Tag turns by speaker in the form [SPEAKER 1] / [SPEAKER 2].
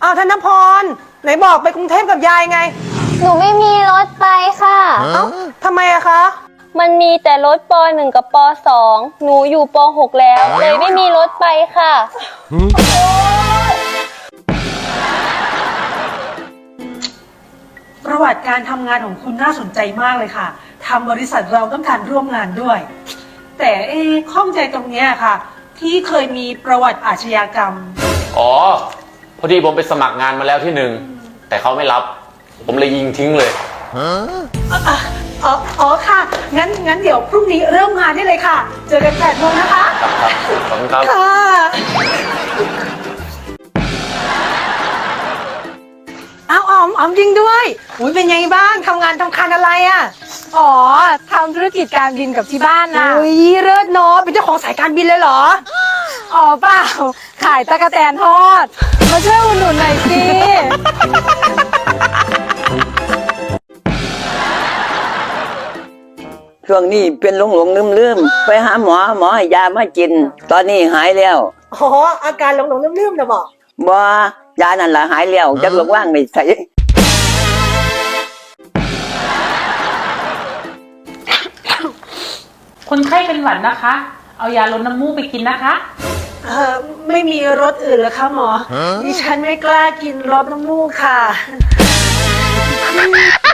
[SPEAKER 1] อ้าวธนพรไหนบอกไปกรุงเทพกับยายไง
[SPEAKER 2] หนูไม่มีรถไปค่ะ
[SPEAKER 1] เอ้าทำไมอะคะ
[SPEAKER 2] มันมีแต่รถป .1 กับป .2 หนูอยู่ป .6 แล้วเลยไม่มีรถไปค่ะ
[SPEAKER 1] ประวัติการทำงานของคุณน่าสนใจมากเลยค่ะทำบริษัทเราต้องการร่วมงานด้วย แต่ข้องใจตรงเนี้ยค่ะ ที่เคยมีประวัติอาชญากรรม
[SPEAKER 3] อ๋อพอดีผมไปสมัครงานมาแล้วที่หนึ่งแต่เขาไม่รับผมเลยยิงทิ้งเลย
[SPEAKER 1] อ๋อค่ะงั้นเดี๋ยวพรุ่งนี้เริ่มงานได้เลยค่ะเจอกัน8 โมงนะคะ
[SPEAKER 3] ครับขอบคุณครับ
[SPEAKER 1] ค่ะอ้าวอ๋อมจริงด้วยอุ้ยเป็นไงบ้างทำงานทำคันอะไรอ่ะ
[SPEAKER 4] อ๋อทำธุรกิจการบินกับที่บ้านนะ
[SPEAKER 1] อุ้ยเลิศเนาะเป็นเจ้าของสายการบินเลยเหรอ
[SPEAKER 4] อ๋อเปล่าขายตะกแตนทอดมาช่วยอุดหนุนหน่อยสิ
[SPEAKER 5] ช่วงนี้เป็นหลงลืมไปหาหมอให้ยามากิน ตอนนี้หายแล้ว
[SPEAKER 1] อ๋ออาการหลงลืมนะบอก
[SPEAKER 5] บ่ยานั่นล่ะหายแล้วจักลงว่างไม่ใส่
[SPEAKER 6] คนไข้เป็นหวัดนะคะ เอายาลดน้ำมูกไปกินนะคะ
[SPEAKER 1] ไม่มีรสอื่นเหรอคะหมอดิฉันไม่กล้ากินรสน้ำมูกค่ะ